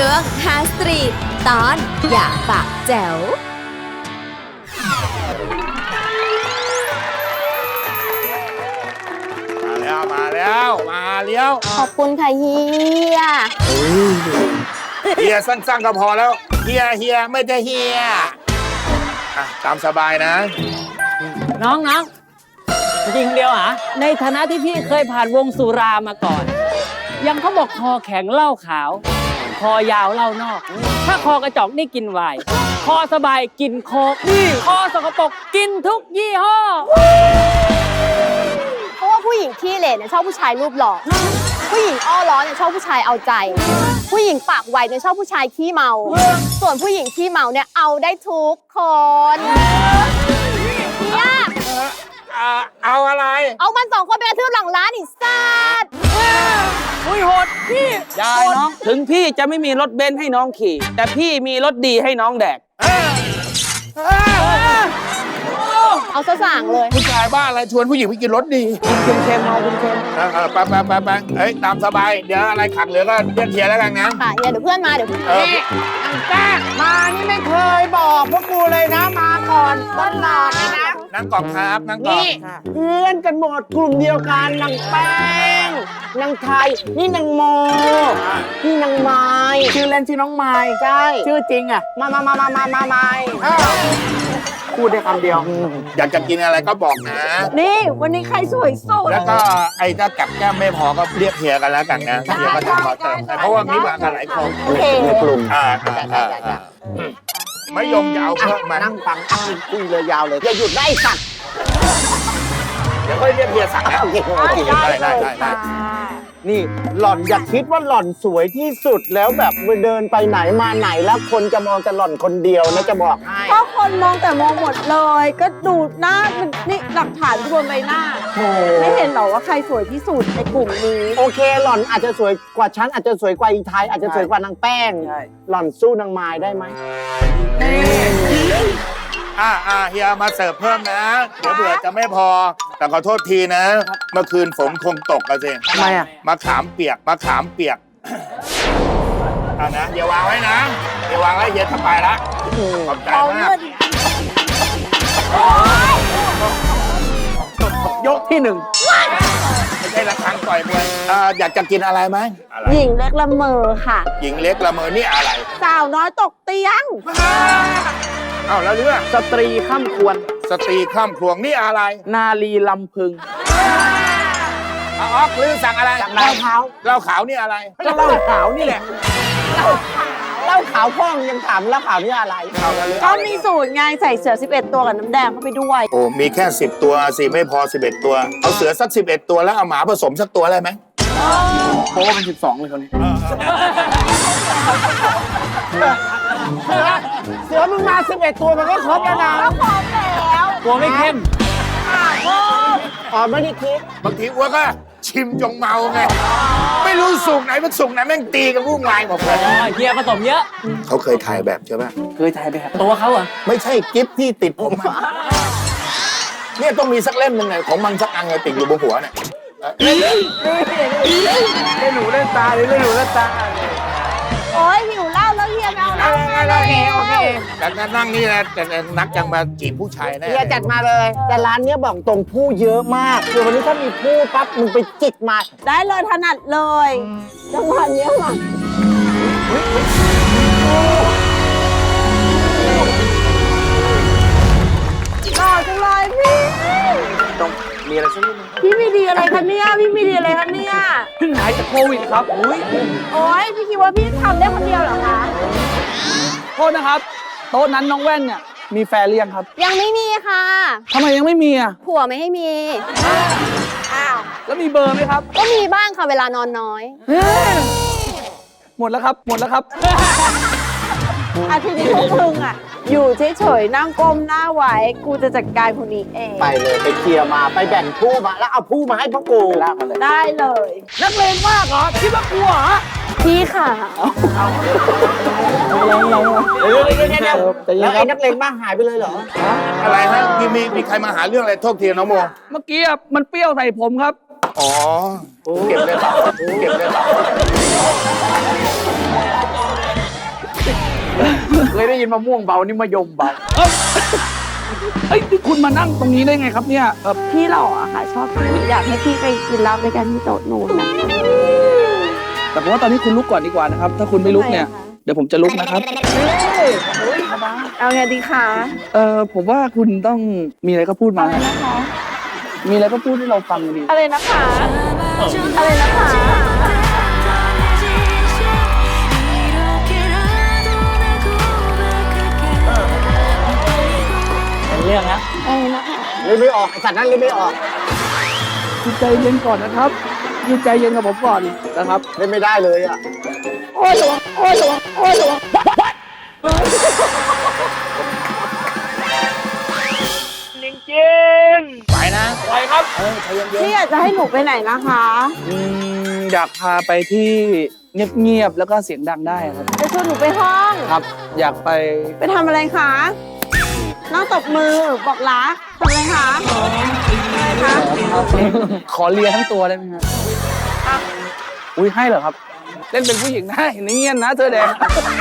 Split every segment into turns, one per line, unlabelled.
วงฮาสตรีทตอนอย่าปากแจ๋ว
มาแล้ว
ขอบคุณค่ะเฮีย
เฮียสั้นๆก็พอแล้วเฮียไม่ได้เฮียอ่ะตามสบายนะ
น้องจริงคนเดียวเหรอในฐานะที่พี่เคยผ่านวงสุรามาก่อน ยังเขาบอกคอแข็งเหล้าขาว คอยาวเหล้านอก ถ้าคอกระจอกนี่กินไวน์คอสบายกินโคกคอสกปรกกินทุกยี่ห้อ
เพราะว่าผู้หญิงขี้เหร่เนี่ยชอบผู้ชายรูปหล่อผู้หญิงอ้อล้อเนี่ยชอบผู้ชายเอาใจ ผู้หญิงปากไวเนี่ยชอบผู้ชายขี้เมา ส่วนผู้หญิงขี้เมาเนี่ยเอาได้ทุกคนเนี่ย
เอาอะไร
เอามัน2 คนไปกระทืบหลังร้านอีสัตว์
อุ้ยโหดพี่ยายน้อง ถึงพี่จะไม่มีรถเบนซ์ให้น้องขี่ แต่พี่มีรถดีให้น้องแดก
เอาซะสั่งเลย
ผู้ชายบ้าอะไรชวนผู้หญิงไปกินรถดี
กินเค็มๆเมาเค็ม
ไปเฮ้ยตามสบายเดี๋ยวอะไรขัดเหลือก็เรียกเฮียแล้วกันนะ
ค่ะเฮียเดี๋ยวเพื่อนมาเดี๋ยวเพื่อนมา
อังแก้มานี่ไม่เคยบอกพวกกูเลยนะมาก่อนต้นนอนเลยนะ
นั่งก่อนครับนั่งก่อน
นี่เพื่อนกันหมดกลุ่มเดียวกันนางแป้งนางไทยนี่นางโมนี่นางไม้ชื่อเล่นชื่อน้องไม้ใช่ชื่อจริงอ่ะมาไม้พูดได้คำเดียว
อยากจะกินอะไรก็บอกนะ
นี่วันนี้ใครสวยสุด
แล้วก็ไอ้ถ้ากับแก้มไม่พอก็เรียกเฮียกันแล้วกันนะเฮียก็จะขอเติมให้เพราะว่ามีมากันหลายคน
โอเค
ในกลุ่ม
ไม่ยมจะเอาเพิ่มมา
นั่งฟังคุยเลยยาวเลยอย่าหยุดได้สัตว์
เดี๋ยวค่อยเรียกเฮียสั่งนะ
โอเคได้ นี่หล่อนอย่าคิดว่าหล่อนสวยที่สุดแล้วแบบเดินไปไหนมาไหนแล้วคนจะมองแต่หล่อนคนเดียวนะจะบอกให้
ก็คนมองแต่มองหมดเลย ก็ดูหน้ามันนี่หลักฐานบนใบหน้า
โอ้
ไม่เห็นหรอว่าใครสวยที่สุดในกลุ่มนี้
โอเคหล่อนอาจจะสวยกว่าฉันอาจจะสวยกว่าอีไทยอาจจะสวยกว่านางแป้งหล่อนสู้นางไม้ได้ไหม
เฮียมาเสิร์ฟเพิ่มนะ เดี๋ยวเผื่อจะไม่พอ แต่ขอโทษทีนะ เมื่อคืนฝนคงตกกันสิ
ทำไมอ่ะ
มะขามเปียกเอานะอย่าวางไว้นะอย่าวางไว้เฮียจะไปละขอบใจมาก
ยกที่หนึ่ง
ไม่ใช่ระฆังต่อยมวยอยากจะกินอะไรไหมอะไร
หญิงเล็กละเมอค่ะ
หญิงเล็กละเมอนี่อะไร
สาวน้อยตกเตียง
เอ้าแล้วเรื่อง
สตรีข้ามควร
สตรีข้ามครวงนี่อะไร
นาลีลำพึง
อ๋อหรือสั่งอะไร
สั่งเหล้าขาว
เหล้าขาวนี่อะไร
ก็เหล้าขาวนี่แหละเหล้าขาวพ่องยังถามเหล้าขาวนี่อะไร
ก็มีสูตรไงใส่เสือ 11 ตัวกับน้ำแดงเข้าไปด้วย
โอ้มีแค่10 ตัวสิไม่พอ11 ตัว เอาเสือสัก11 ตัวแล้วเอาหมาผสมสักตัวอะไรไหม
โป้เป็น12เลยคนนี้เสือมึงมา11 ตัวมันก็ครบแล้วนะ
กลัวไม่เข้ม
อ๋อไม่ได้คิด
บางทีอ้วก็ชิมจงเมาไง ไม่รู้สุกไหนมันสุกไหนแม่งตีกันวุ่นวายหมดเลย
เฮียผสมเยอะ
เขาเคยถ่ายแบบใช่ปะ
เคยถ่ายแบบตัวเขาเหรอ
ไม่ใช่กิฟที่ติดผมอะเนี่ยต้องมีสักเล่มหนึ่งไงของมันสักอันไงติดอยู่บนหัวเนี่ย
เล่นหนูเล่นตาเลยเล่นหนูเล่นตา
โอ้ยหิวเหล้าแล้วเฮียไม่เอาเหล้ามาเลย
โอเค
แต่นั่งนี่นะแต่นักจังมาจีบผู้ชายแน่
เฮียจัดมาเลย แต่ร้านเนี้ยบอกตรงผู้เยอะมากคือวันนี้ถ้ามีผู้ปั๊บมึงไปจิกมา
ได้เลยถนัดเลยจังหวะเนี้ยมาหล่อจังเลยพี่
ต้องมีอะไรสักนิดนึง
พี่มีดีอะไรคะเนี่ยพี่มีดีอะไรคะเนี่ย
เพิ่งหายจากโควิดครับอุ้ย
โอ้ยพี่คิดว่าพี่ทำได้คนเดียวเหรอคะ
โทษนะครับ โต๊ะนั้นน้องแว่นเนี่ย มีแฟนหรือยังครับ
ยังไม่มีค่ะ
ทำไมยังไม่มีอ่ะ
ผัวไม่ให้มีอ้าว
แล้วมีเบอร์ไหมครับ
ก็มีบ้างค่ะเวลานอนน้อย
หมดแล้วครับ หมดแล้วครับ
อาทีนี้พวกมึงอ่ะ อยู่เฉยๆนั่งก้มหน้าไว้ กูจะจัดการคนนี้เอง
ไปเลยไปเคลียร์มาไปแบ่งผู้มาแล้วเอาผู้มาให้พวกกูลากมาเลย
ได้เลย
นักเลงมากเหรอ คิดว่ากลัวเหรอ
พี่ค่ะ
แล้วไอ้นักเลงบ้าหายไปเลยเหรอ
อะไรฮะมีใครมาหาเรื่องอะไรโทษทีน้องโม
เมื่อกี้อะมันเปรี้ยวใส่ผมครับ
อ๋อเก็บเลยเปล่า
เคยได้ยินมะม่วงเบานี่มะยมเบา
เอ้ยนี่คุณมานั่งตรงนี้ได้ไงครับเนี่ย
พี่หล่ออะค่ะชอบพี่อยากให้พี่ไปกินเหล้าด้วยกันที่โต๊ะนู้นนะ
แต่ผมว่าตอนนี้คุณลุกก่อนดีกว่านะครับ ถ้าคุณไม่ลุกเนี่ย เดี๋ยวผมจะลุกนะครับ
เอาไงดีคะ
ผมว่าคุณต้องมีอะไรก็พูดมา
อะไรนะคะ
มีอะไรก็พูดให้เราฟังดี
อะไรนะคะ อะไรนะคะ
เป็นเรื่องนะ
อะไรนะคะ
เลยไม่ออกไอ้สัตว์นั้นเลยไม่ออก
คุณใจเย็นก่อนนะครับคุณใจเย็นกับผมก่อนนะครับ
เล่นไม่ได้เลยอ่ะ
โอ้ยหลวงโอ้ยหลวงโอ้ยหลวง
ไปนะ
ไปครับ
พี่อยากจะให้หนูไปไหนนะคะ
อยากพาไปที่เงียบๆแล้วก็เสียงดังได้ครับ
จะชวนหนูไปห้อง
ครับ อยากไป
ไปทำอะไรคะนั่งตบมือบอกรักทำอะไรคะอะไรคะ
ขอเลียทั้งตัวได้ไหมครับอุ้ยให้เหรอครับ เล่นเป็นผู้หญิงได้เนียนนะเธอแดง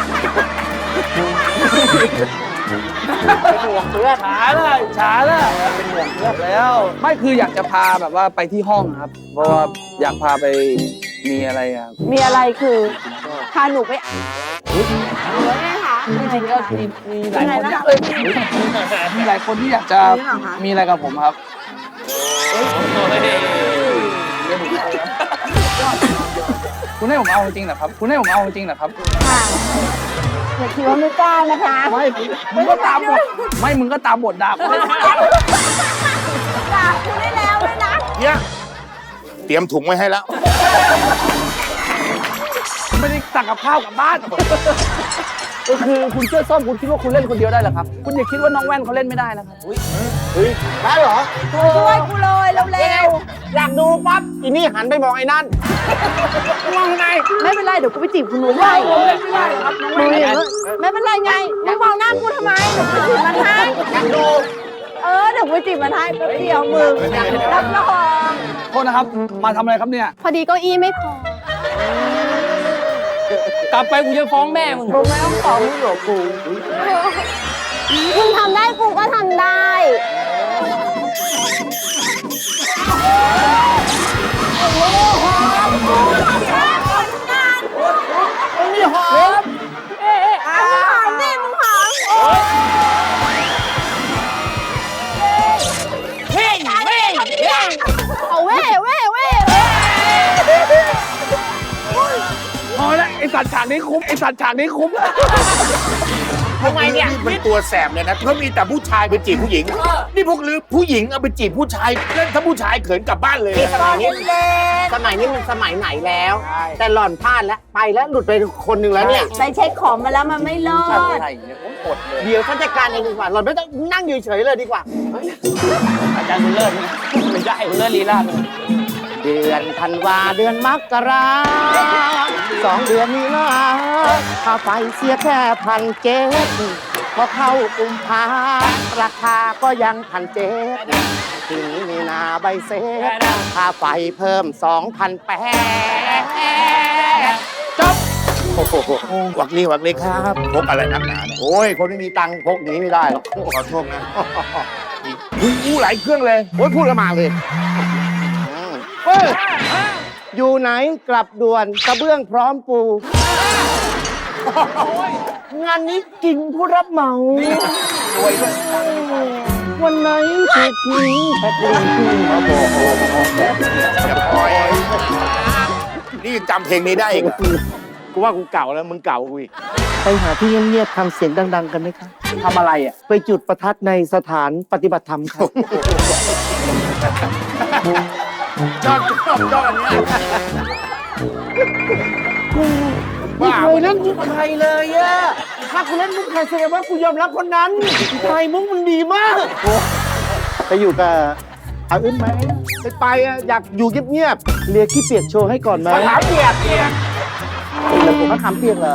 เป็นห่วงเพื่อนช้าเลยเป็นห่วงเพื่อนแล้ว ไม่คืออยากจะพาแบบว่าไปที่ห้องครับ เพราะว่าอยากพาไปมีอะไรอ่ะ
มีอะไรคือพาหนูไปหรือว่าไงคะยังไงคะ
มีหลายคนอยากมีหลายคนที่อยากจะมีอะไรกับผมครับคุณให้ผมเอาจริงเหรอครับคุณให้ผมเอาจริงเหรอครับ
ค่ะอย่าคิดว่าไม่กล้านะคะ
ไม่มึงก็ตามบทไม่มึงก็ตามบทด่ากู
ด่าคุณได้แล้วเลยนะ
เฮียเตรียมถุงไว้ให้แล้ว
ไม่ได้สั่งกับข้าวกลับบ้านก็คือคุณเชื่อส้มคุณคิดว่าคุณเล่นคนเดียวได้เหรอครับคุณอย่าคิดว่าน้องแว่นเขาเล่นไม่ได้นะครับ
เฮ้ย ได้เหรอ
ช่วยกูเลยเร็ว
อยากดูปั๊บ อีนี่หันไปมองไอ้นั่น มองไง
ๆไม่เป็นไรเดี๋ยวกูไปจีบคุณหนูให้
ผมเล่นไม่ได้ครับน้อง
หนู
แว่น
อย่างนี้ไม่เป็นไรไงมึงมองหน้ากูทำไมเดี๋ยวกูไปจีบมันให้
อยากดู
เดี๋ยวกูไปจีบมันให้แป๊บเดียวมึงรับรอง
โทษนะครับ มาทำอะไรครับเนี่ย
พอดีเก้าอี้ไม่พอ
กลับไปกูจะฟ้องแม่มึง
มึงไม่ต้องขอมึงหรอกกู
คุณทำได้กูก็ทำได้
มีหอม
เอาเว้เว้เว้
พอแล้วไอสัตว์ฉากนี้คุ้มไอสัตว์ฉากนี้คุ้ม
ทำไมเนี่ยเป็นตัวแสบเลยนะเพราะมีแต่ผู้ชายไปจีบผู้หญิง นี่พวกลือผู้หญิงเอาไปจีบผู้ชายเล่นถ้าผู้ชายเขินกลับบ้านเลย
สมัยนี้สมัยนี้มันสมัยไหนแล้ว แต่หล่อนพลาดแล้ว ไปแล้วหลุดไปคนหนึ่งแล้วเนี่ย
ไปเช็คของมาแล้วมันไม่รอด
อะไรเนี่ยผมกดเลย
เดี๋ยวฉันจัดการเองดีกว่า หล่อนไม่ต้องนั่งอยู่เฉยๆเลยดีกว่า
อาจารย์บุญเลิศนะไม่ได้บุญเลิศลีลาเลย
เดือนธันวาเดือนมกรา2 เดือนนี้นะค่าไฟเสียแค่1,700พอเข้ากุมภาราคาก็ยัง1,700ทีนี้มีนาใบเสร็จค่าไฟเพิ่ม2,800จบ
โอ้โหวักนี้ครับพกอะไรนักหนาเนี่ย
โอ้ย คนไม่มีตังค์พกอย่างนี้ไม่ได้หรอก
ขอโทษนะอู้หลายเครื่องเลย
โอ้ยพูดกันมาเลยเฮ้ยอยู่ไหนกลับด่วนกระเบื้องพร้อมปู งานนี้กินผู้รับเหมา วันไหนถูกทิ้งแพ็คลิงมาบอก
อย่าปล่อยนี่จำเพลงนี้ได้อีกเหรอ
กูว่ากูเก่าแล้วมึงเก่ากูอีกไปหาที่เงียบๆทำเสียงดัง ๆ กันไหมครับ
ทำอะไรอ่ะ
ไปจุดประทัดในสถานปฏิบัติธรรมครับ
ชอบอันเนี้ย
ไม่เคยเล่นมุกใครเลยอะถ้ากูเล่นมุกใครแสดงว่ากูยอมรับคนนั้นใครมุกมันดีมากไปอยู่กับอาอึ้นไหมไปอะอยากอยู่เงียบๆเลียขี้เปียกโชว์ให้ก่อนไหม
มะขามเปียก
แล้วผมมะขามเปียกเหรอ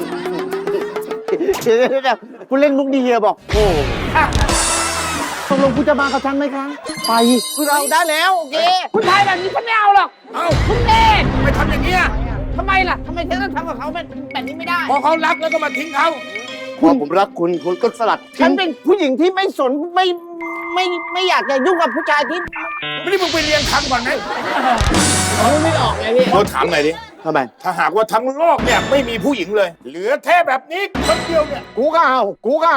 เดี๋ยวกูเล่นมุกดีเฮียบอกโอ้ตกลงคุณจะมากับฉันไหมคะไปคุณเอาได้แล้วโอเค
คุณชายแบบนี้ฉันไม่เอาหรอก
เอ้า
คุณเล่น
ไม่ทำอย่างเงี้ย
ทำไมล่ะทำไมเธอต้องทำกับเขาแบบนี้ไม่ได้
พอเขารักแล้วก็มาทิ้งเขา
พอผมรักคุณคุณก็สลัดฉันเป็นผู้หญิงที่ไม่สนไม่อยากจะยุ่งกับผู้ชายที่
ไม่ได้มึงไปเรียนคำก่อนไหม
ไม่ออกไงพี่
เราถามหน่อยดิ
ทำไม
ถ้าหากว่าทั้งโลกเนี่ยไม่มีผู้หญิงเลย เหลือแค่แบบนี้คนเดียวเนี่ย
กูก็เอา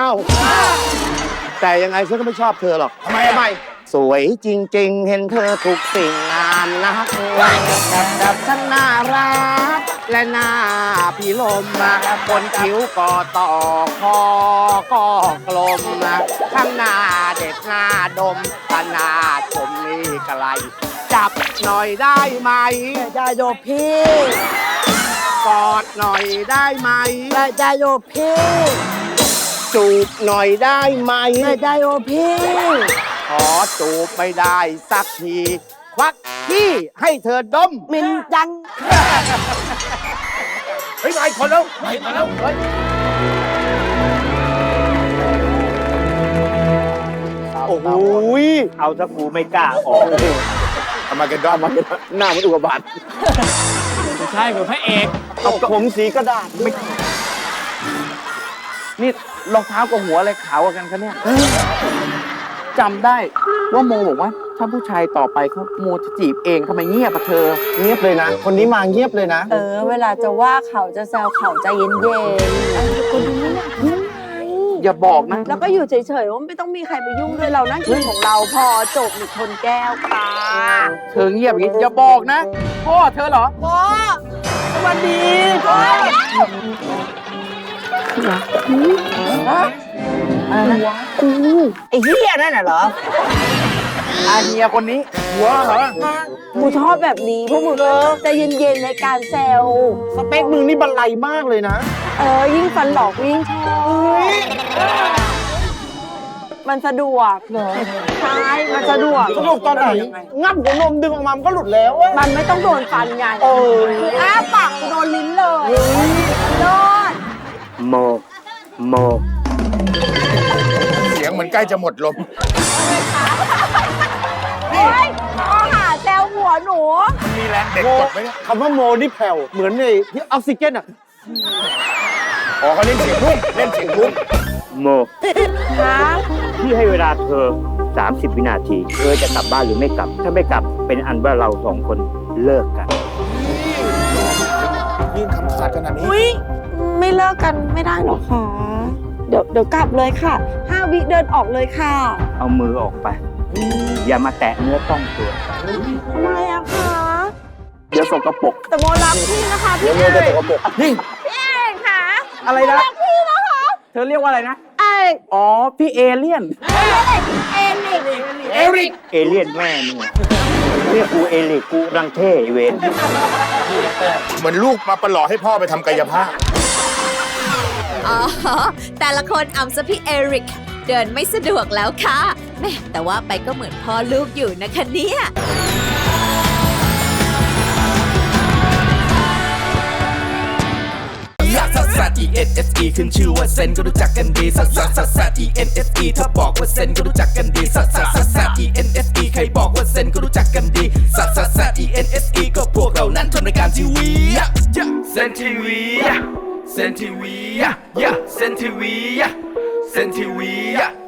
แต่ยังไงฉันก็ไม่ชอบเธอหรอก
ทำไม
สวยจริงๆ เห็นเธอทุกสิ่งงามนักแบบฉันน่ารักและหน้าพี่ลมมาบนคิ้วก็ต่อคอก็กลมนะข้างหน้าเด็ดหน้าดมตาหน้าชมนี่กะไรจับหน่อยได้ไหมได้โยพี่กอดหน่อยได้ไหมได้โยพี่จูบหน่อยได้ไหมได้โยพี่ขอจูบไม่ได้สักทีควักขี้ให้เธอดมมินจัง
เฮ้ยมาอีกคนแล้วมาอีกคนแล้วเฮ้ย
โอ้โหเอาซะกูไม่กล้าออก
ทำไมกันด้อม
หน้ามันอุกกาบาต
ไม่ใช่เหมือนพระเอก
เอาผมสีกระดาษไม่
นี่รองเท้ากับหัวอะไรขาวกว่ากันคะเนี่ยจำได้ว่าโมบอกว่าถ้าผู้ชายต่อไปเขาโมจะจีบเองทำไมเงียบอะเธอ
เงียบเลยนะ คนนี้มาเงียบเลยนะ
เวลาจะว่าเขาจะแซวเขาใจเย็นๆคนนี้ไม่อยากยุ่งไง
อย่าบอกนะ
แล้วก็อยู่เฉยๆว่าไม่ต้องมีใครไปยุ่งด้วยเรานั่งกินของเราพอจบหนึ่งชนแก้วค่ะ
เธอเงียบอย่างนี้อย่าบอกนะพ่อเธอเหรอ
พ่อสวัสดีพ่อ
ไอ้เหี้ยนั่นน่ะเหรอ
อาเฮียคนนี้
หัวเหรอ
กูชอบแบบนี้พวกมึงใจเย็นๆในการแซว
สเปคมึงนี่บันไลมากเลยนะ
ยิ่งฟันหลอกยิ่งชอบมันสะดวกเหรอใช่มันสะดวก
สนุกตอนไหน งับหัวนมดึงออกมามันก็หลุดแล้วอะ
มันไม่ต้องโดนฟันไงอ้าปากโดนลิ้นเลยโดน
โม
เสียงเหมือนใกล้จะหมดลม
เฮ้ยข้อหาแซวหัวหนู
มันมีแรงเด็กกดไหมเนี่ย
คำว่าโมนี่แผ่ว เหมือนในที่ออกซิเจนอะ
อ๋อเขาเล่นเสียงรุ่งเล่นเสียงรุ่ง
โม
ฮะ
พี่ให้เวลาเธอ 30 วินาที เธอจะกลับบ้านหรือไม่กลับ ถ้าไม่กลับเป็นอันว่าเราสองคนเลิกกัน
ยื่นคำขาดขนาดนี้
อุ้ยไม่เลิกกันไม่ได้หรอคะเดี๋ยวกลับเลยค่ะ5 วิเดินออกเลยค่ะ
เอามือออกไป อย่ามาแตะเนื้อต้องตัว
ทำไมอะคะ
เดี๋ยวสกปรก
แต่โมรักพี่นะคะพี่เอก
นี่
พี่เอกค่ะ
อะไรนะ
รักพี่นะคะ
เธอเรียกว่าอะไรนะ
เอก
อ๋อ พี่เอเลี่ยน
เอกนี่
เอริก
เอเลี่ยนแม่เนี่ยเรียกกูเอลิกกูรังเท่เวน
เหมือนลูกมาประหล่อให้พ่อไปทำกายภาพ
อ๋อ แต่ละคนอำซะพี่เอริก เดินไม่สะดวกแล้วค่ะแม่แต่ว่าไปก็เหมือนพ่อลูกอยู่นะคะเนี่ย
ลักซัสซัส E N S E ขึ้นชื่อว่าเซนก็รู้จักกันดีซัสซัสซัสซัส E N S E ถ้าบอกว่าเซนก็รู้จักกันดีซัสซัสซัสซัส E N S E ใครบอกว่าเซนก็รู้จักกันดีซัสซัสซัส E N S E ก็พวกเรานั้นทำรายการทีวีเซนทีวีเซนทีวีเซนทีวีเซนทีวี